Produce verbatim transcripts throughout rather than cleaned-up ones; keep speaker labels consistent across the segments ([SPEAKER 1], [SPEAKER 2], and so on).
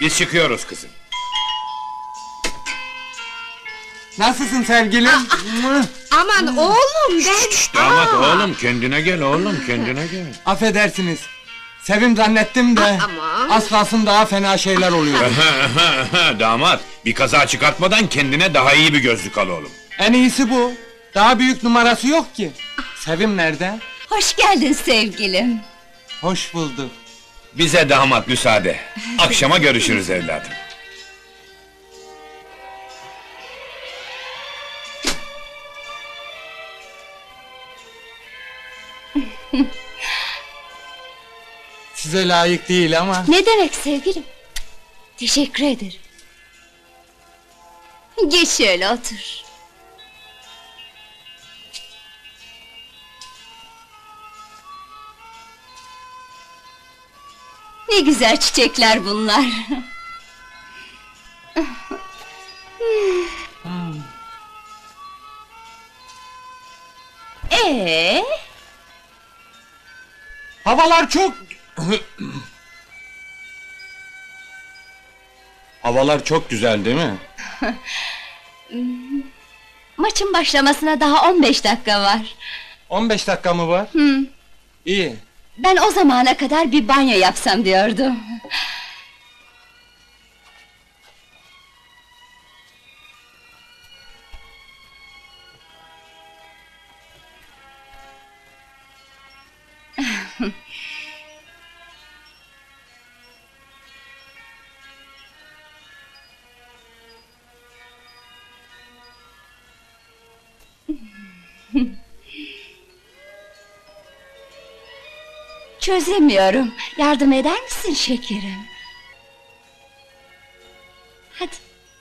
[SPEAKER 1] Biz çıkıyoruz kızım.
[SPEAKER 2] Nasılsın sevgilim?
[SPEAKER 3] Aman oğlum ben...
[SPEAKER 1] Damat
[SPEAKER 3] Aa!
[SPEAKER 1] oğlum, kendine gel oğlum, kendine gel.
[SPEAKER 2] Affedersiniz. Sevim zannettim de...
[SPEAKER 3] Aman!
[SPEAKER 2] Az kalsın daha fena şeyler oluyor.
[SPEAKER 1] Damat, bir kaza çıkartmadan kendine daha iyi bir gözlük al oğlum.
[SPEAKER 2] En iyisi bu. Daha büyük numarası yok ki. Sevim nerede?
[SPEAKER 4] Hoş geldin sevgilim.
[SPEAKER 2] Hoş bulduk.
[SPEAKER 1] Bize damat müsaade. Akşama görüşürüz evladım.
[SPEAKER 2] Size layık değil ama...
[SPEAKER 4] Ne demek sevgilim? Teşekkür ederim. Geç şöyle otur. Ne güzel çiçekler bunlar. Ee,
[SPEAKER 2] Havalar çok... Havalar çok güzel değil mi?
[SPEAKER 4] maçın başlamasına daha on beş dakika var.
[SPEAKER 2] on beş dakika mı var?
[SPEAKER 4] Hı.
[SPEAKER 2] İyi.
[SPEAKER 4] Ben o zamana kadar bir banyo yapsam diyordum. Çözemiyorum. Yardım eder misin şekerim? Hadi.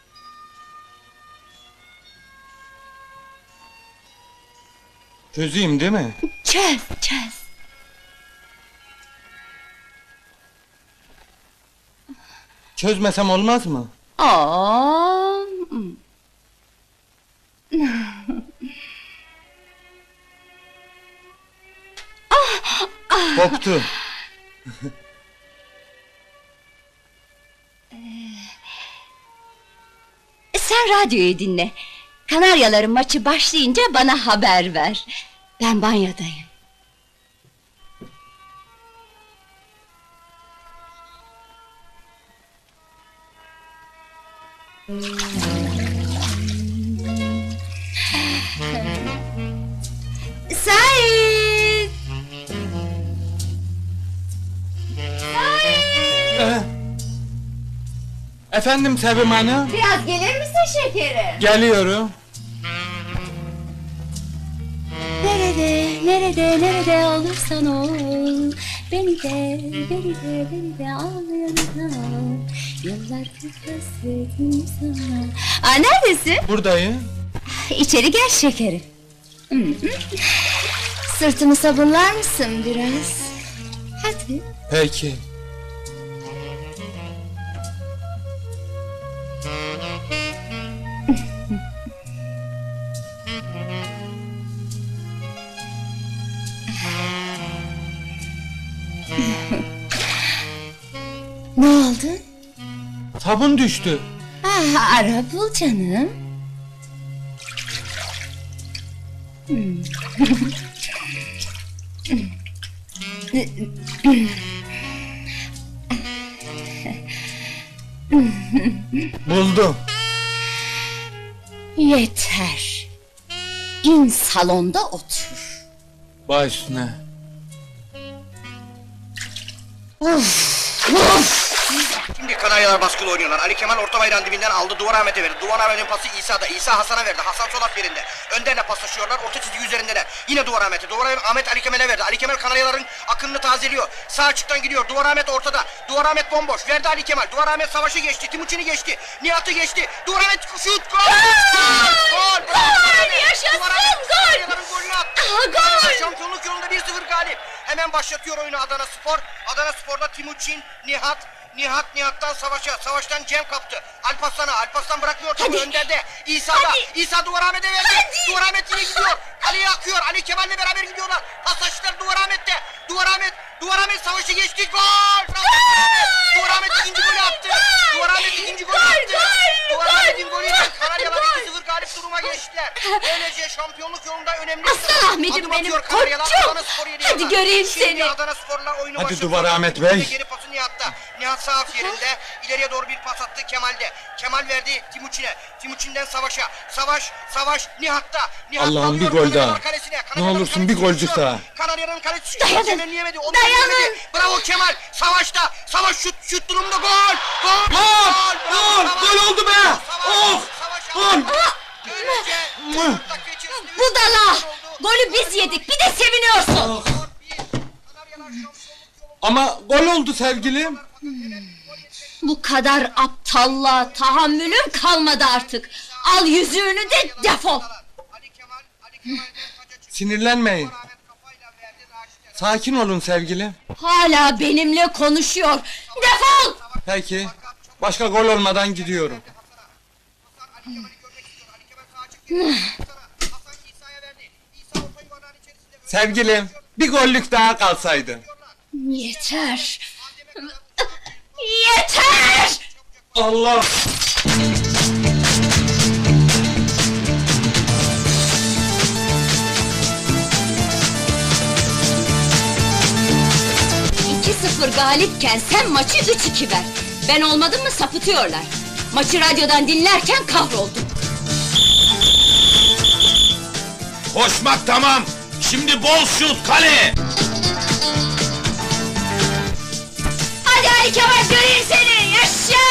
[SPEAKER 2] Çözeyim değil mi?
[SPEAKER 4] Çöz, çöz.
[SPEAKER 2] Çözmesem olmaz mı?
[SPEAKER 4] Oo.
[SPEAKER 2] Koptu.
[SPEAKER 4] Sen radyoyu dinle. Kanaryaların maçı başlayınca bana haber ver. Ben banyodayım. Sait!
[SPEAKER 2] Ee, Efendim Sevim Hanım?
[SPEAKER 4] Biraz gelir misin şekerim?
[SPEAKER 2] Geliyorum.
[SPEAKER 4] Nerede, nerede, nerede olursan ol, beni de, beni de, beni de al yanına. Yıllardır hasretim sana. Aa, neredesin?
[SPEAKER 2] Buradayım.
[SPEAKER 4] İçeri gel şekerim. Hı hı. Sırtımı sabunlar mısın biraz? Hadi.
[SPEAKER 2] Peki.
[SPEAKER 4] Ne oldu?
[SPEAKER 2] Sabun düştü.
[SPEAKER 4] Ah, ara bul canım.
[SPEAKER 2] Buldum.
[SPEAKER 4] Yeter. İn salonda otur.
[SPEAKER 2] Baş üstüne.
[SPEAKER 5] Şimdi Kanaryalar baskılı oynuyorlar. Ali Kemal orta bayrağın dibinden aldı. Duvar Ahmet'e verdi. Duvar Ahmet'in pası İsa'da. İsa Hasan'a verdi. Hasan sol at yerinde. Önderle paslaşıyorlar. Orta çizgi üzerindeler. Yine Duvar Ahmet'e. Duvar Ahmet Ali Kemal'e verdi. Ali Kemal Kanaryaların akınını tazeliyor. Sağ açıktan gidiyor. Duvar Ahmet ortada. Duvar Ahmet bomboş. Verdi Ali Kemal. Duvar Ahmet savaşı geçti. Timuçin'i geçti. Nihat'ı geçti. Duvar Ahmet şut. Gol! Gol!
[SPEAKER 4] Gol! Yaşasın! Gol!
[SPEAKER 5] Kanaryaların golünü attı.
[SPEAKER 4] Aha, gol!
[SPEAKER 5] Şampiyonluk yolunda bir sıfır galip. Hemen başlatıyor oyunu Adana Spor. Adana Spor'da Timuçin, Nihat, Nihat Nihat'tan Savaş'a, Savaş'tan Cem kaptı. Alparslan'a, Alparslan bırakmıyor topu önderde. İsa'da,
[SPEAKER 4] Hadi.
[SPEAKER 5] İsa Duvar Ahmet'e verdi.
[SPEAKER 4] Hadi.
[SPEAKER 5] Duvar Ahmet yine gidiyor. Ali'ye akıyor. Ali Kemal'le beraber gidiyorlar. Pasajlar Duvar Ahmet'te. Duvar Ahmet Duvar Ahmet savaşı geçti. Gol! Duvar Ahmet ikinci golü attı. Duvar Ahmet ikinci golü attı. Duvar Ahmet'in golüyle Kanaryalar iki sıfır galip duruma geçtiler. Böylece şampiyonluk yolunda önemli
[SPEAKER 4] Aslan Ahmet'im
[SPEAKER 5] adım
[SPEAKER 4] benim,
[SPEAKER 5] atıyor Kanaryalar.
[SPEAKER 4] koçum.
[SPEAKER 5] Adana Spor yedi
[SPEAKER 4] Hadi
[SPEAKER 5] yıllar.
[SPEAKER 4] göreyim
[SPEAKER 5] Şimdi
[SPEAKER 4] seni.
[SPEAKER 5] Adana Spor'la oyunu
[SPEAKER 2] Hadi
[SPEAKER 5] başlatıyor.
[SPEAKER 2] Duvar Ahmet Bey.
[SPEAKER 5] Geri pası Nihat'ta. Nihat sağ af yerinde. İleriye doğru bir pas attı Kemal'de. Kemal verdi Timuçin'e. Timuçin'den Savaş'a. Savaş, Savaş Nihat'ta. Nihat
[SPEAKER 2] Allah'ım bir
[SPEAKER 5] alıyor
[SPEAKER 2] gol daha.
[SPEAKER 5] Kanaryalar kalesine.
[SPEAKER 2] Ne
[SPEAKER 5] Kanaryaların
[SPEAKER 2] olursun bir
[SPEAKER 5] kalesi
[SPEAKER 2] golcük
[SPEAKER 5] düşüyor.
[SPEAKER 2] daha.
[SPEAKER 5] Kanarya'nın kalesi
[SPEAKER 4] Dayanın.
[SPEAKER 5] Temelleyemedi. Onu
[SPEAKER 4] Dayanın.
[SPEAKER 5] temelleyemedi. Bravo Kemal. Savaş'ta. Savaş şut şut durumda gol. Gol.
[SPEAKER 2] Gol!
[SPEAKER 5] Bravo,
[SPEAKER 2] Gol!
[SPEAKER 5] Savaş.
[SPEAKER 2] Gol oldu be!
[SPEAKER 5] Savaş,
[SPEAKER 2] Of!
[SPEAKER 5] Savaş
[SPEAKER 2] Gol!
[SPEAKER 5] aldı. Böylece dört dakika içerisinde üç
[SPEAKER 4] Budala!
[SPEAKER 5] gol oldu.
[SPEAKER 4] Golü biz yedik, bir de seviniyorsun!
[SPEAKER 5] Dört bir. Kanaryalar şampiyonluk yolunda.
[SPEAKER 2] Ama gol oldu sevgilim.
[SPEAKER 4] Bu kadar aptalla tahammülüm kalmadı artık! Al yüzüğünü de defol!
[SPEAKER 5] Ali Kemal, Ali Kemal'den taca çıktı.
[SPEAKER 2] Sinirlenmeyin.
[SPEAKER 5] Ahmet kafayla verdi Raşit'e.
[SPEAKER 2] Sakin olun sevgilim.
[SPEAKER 4] Hala benimle konuşuyor! Defol!
[SPEAKER 2] Peki. Başka gol olmadan gidiyorum.
[SPEAKER 5] Hasan Ali Kemal'i görmek istiyor. Ali Kemal sağa çıktı. Hasan İsa'ya verdi. İsa orta yuvarlağın içerisinde.
[SPEAKER 2] Sevgilim, bir gollük daha kalsaydı.
[SPEAKER 4] Yeter! Yeter!
[SPEAKER 2] Allah!
[SPEAKER 4] iki sıfır galipken sen maçı üç iki ver. Ben olmadım mı sapıtıyorlar. Maçı radyodan dinlerken kahroldum.
[SPEAKER 1] Koşmak tamam. Şimdi bol şut kale.
[SPEAKER 4] Hadi Ali Kemal göreyim seni, yaşa!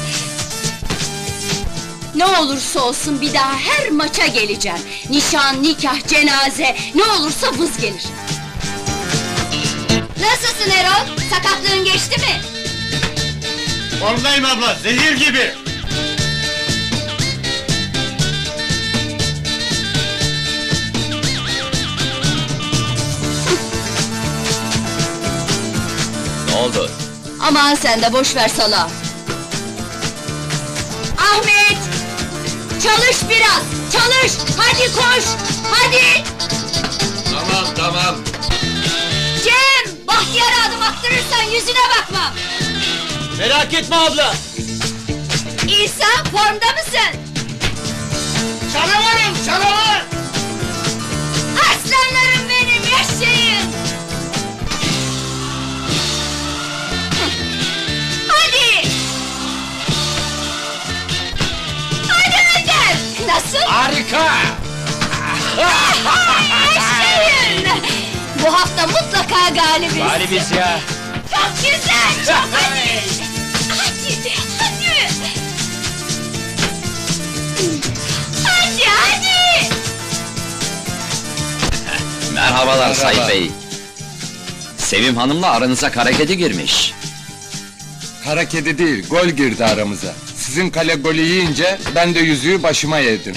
[SPEAKER 4] Ne olursa olsun bir daha her maça geleceğim. Nişan, nikah, cenaze, ne olursa vız gelir. Nasılsın Erol? Sakatlığın geçti mi?
[SPEAKER 1] Formdayım abla, zehir gibi. Ne oldu?
[SPEAKER 4] Aman sen de boş ver sala. Ahmet! Çalış biraz, çalış! Hadi koş, hadi!
[SPEAKER 1] Tamam tamam.
[SPEAKER 4] Cem! Bahtiyar'a adım attırırsan yüzüne bakmam!
[SPEAKER 1] Merak etme abla.
[SPEAKER 4] İsa, formda mısın?
[SPEAKER 1] Canavarım canavar.
[SPEAKER 4] Aslanlarım benim, yaşayın! Hadi! Hadi Önder! Nasıl?
[SPEAKER 1] Harika.
[SPEAKER 4] Yaşayın! Bu hafta mutlaka galibiz!
[SPEAKER 1] Galibiz ya.
[SPEAKER 4] Çok güzel, çok hadi! Hadi, hadi! Hadi, hadi!
[SPEAKER 6] Merhabalar Sayın Bey. Sevim Hanım'la aranıza kara kedi girmiş.
[SPEAKER 2] Kara kedi değil, gol girdi aramıza. Sizin kale golü yiyince ben de yüzüğü başıma yedim.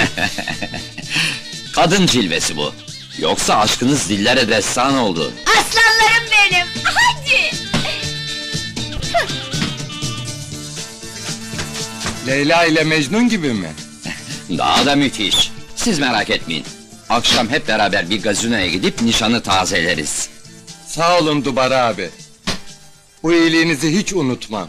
[SPEAKER 6] Kadın cilvesi bu. Yoksa aşkınız dillere destan oldu.
[SPEAKER 4] Aslanlarım benim, hadi!
[SPEAKER 2] Leyla ile Mecnun gibi mi?
[SPEAKER 6] Daha da müthiş. Siz merak etmeyin. Akşam hep beraber bir gazinoya gidip nişanı tazeleriz.
[SPEAKER 2] Sağ olun Dubar abi. Bu iyiliğinizi hiç unutmam.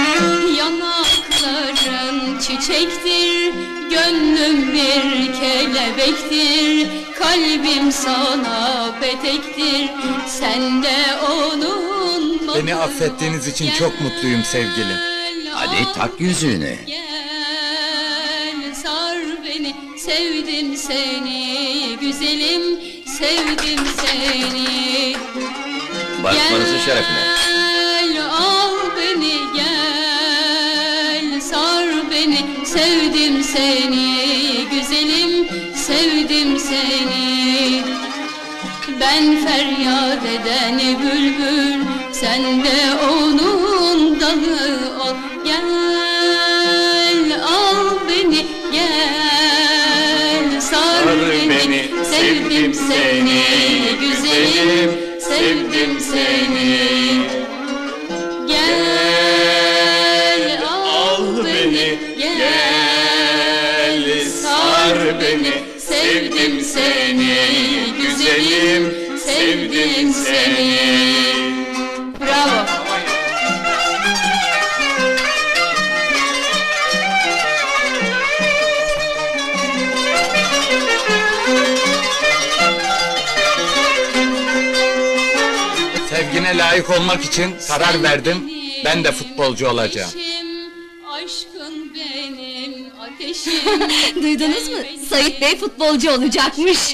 [SPEAKER 7] Yanakların çiçektir, gönlüm bir kelebektir, kalbim sana petektir, sen de onun
[SPEAKER 2] Beni affettiğiniz için çok mutluyum sevgilim.
[SPEAKER 6] Hadi tak yüzüğünü.
[SPEAKER 7] Gel sar beni, sevdim seni, güzelim, sevdim seni.
[SPEAKER 6] Barışmanızın şerefine.
[SPEAKER 7] Gel al beni gel sar beni sevdim seni güzelim sevdim seni. Ben feryat eden bülbül sen de onun dalı ol. Gel al beni gel sar beni sevdim seni güzelim sevdim seni. Gel al beni, gel sar beni, sevdim seni, güzelim, sevdim seni.
[SPEAKER 2] istediğine layık olmak için karar verdim. Ben de futbolcu olacağım.
[SPEAKER 7] Aşkın benim ateşim.
[SPEAKER 4] Duydunuz mu? Sait Bey futbolcu olacakmış.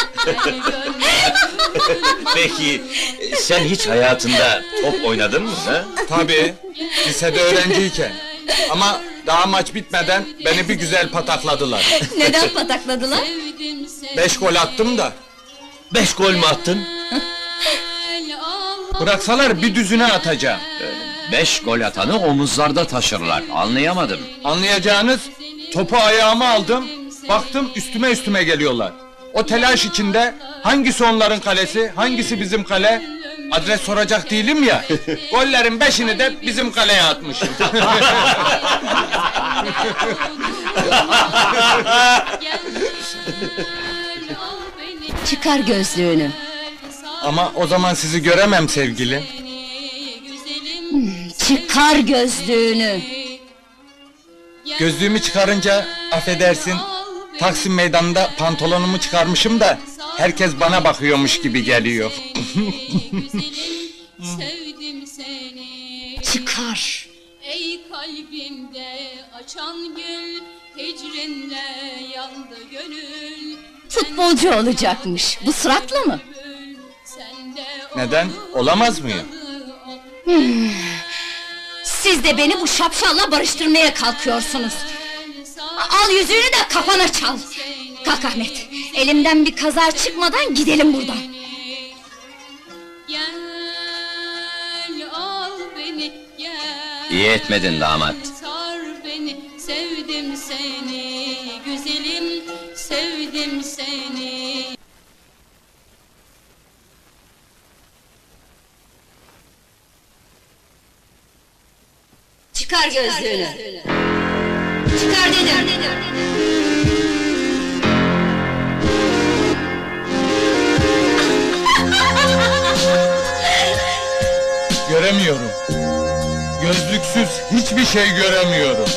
[SPEAKER 8] Peki, sen hiç hayatında top oynadın mı ha?
[SPEAKER 2] Tabii, lisede öğrenciyken. Ama daha maç bitmeden beni bir güzel patakladılar.
[SPEAKER 4] Neden patakladılar?
[SPEAKER 7] Sevdim seni.
[SPEAKER 2] Beş gol attım da.
[SPEAKER 8] Beş gol mü attın?
[SPEAKER 2] Bıraksalar bir düzüne atacağım.
[SPEAKER 6] Beş gol atanı omuzlarda taşırlar. Anlayamadım.
[SPEAKER 2] Anlayacağınız, topu ayağıma aldım, baktım üstüme üstüme geliyorlar. O telaş içinde hangisi onların kalesi, hangisi bizim kale? Adres soracak değilim ya. Gollerin beşini de bizim kaleye atmışım.
[SPEAKER 4] Çıkar gözlüğünü.
[SPEAKER 2] Ama o zaman sizi göremem sevgilim.
[SPEAKER 4] Çıkar gözlüğünü.
[SPEAKER 2] Gözlüğümü çıkarınca affedersin, Taksim meydanında pantolonumu çıkarmışım da herkes bana bakıyormuş gibi geliyor.
[SPEAKER 7] Sevdim seni.
[SPEAKER 4] Çıkar.
[SPEAKER 7] Ey kalbimde açan gül, hicrinle yandı gönül.
[SPEAKER 4] Futbolcu olacakmış. Bu suratla mı?
[SPEAKER 7] Sende
[SPEAKER 2] Neden? Olamaz mıyım?
[SPEAKER 4] Siz de beni bu şapşalla barıştırmaya kalkıyorsunuz. Al yüzüğünü de kafana çal. Kalk Ahmet. Elimden bir kaza çıkmadan gidelim buradan.
[SPEAKER 7] Gel al beni gel.
[SPEAKER 6] İyi etmedin damat.
[SPEAKER 7] Sar beni, sevdim seni güzelim, sevdim seni.
[SPEAKER 4] Çıkar gözlüğünü. Çıkar dedim.
[SPEAKER 2] Göremiyorum. Gözlüksüz hiçbir şey göremiyorum.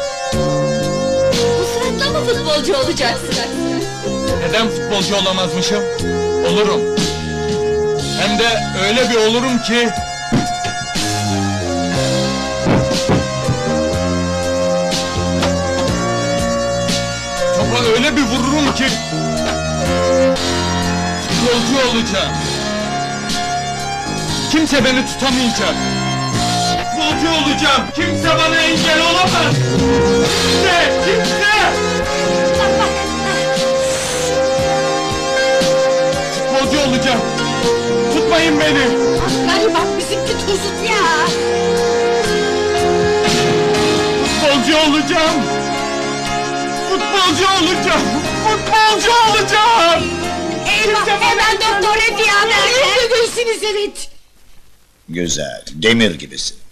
[SPEAKER 4] Bu suratla mı futbolcu olacaksın?
[SPEAKER 2] Neden futbolcu olamazmışım? Olurum. Hem de öyle bir olurum ki... Topa öyle bir vururum ki... Futbolcu olacağım. Kimse beni tutamayacak. Futbolcu olacağım. Kimse bana engel olamaz. Kimse, kimse! Futbolcu olacağım. Tutmayın beni.
[SPEAKER 3] Galiba bizimki tuzut ya.
[SPEAKER 2] Futbolcu olacağım. Futbolcu olacağım. Futbolcu olacağım.
[SPEAKER 3] Eyvah, hemen doktor Efiye haber ver. Evet.
[SPEAKER 8] Güzel, demir gibisin.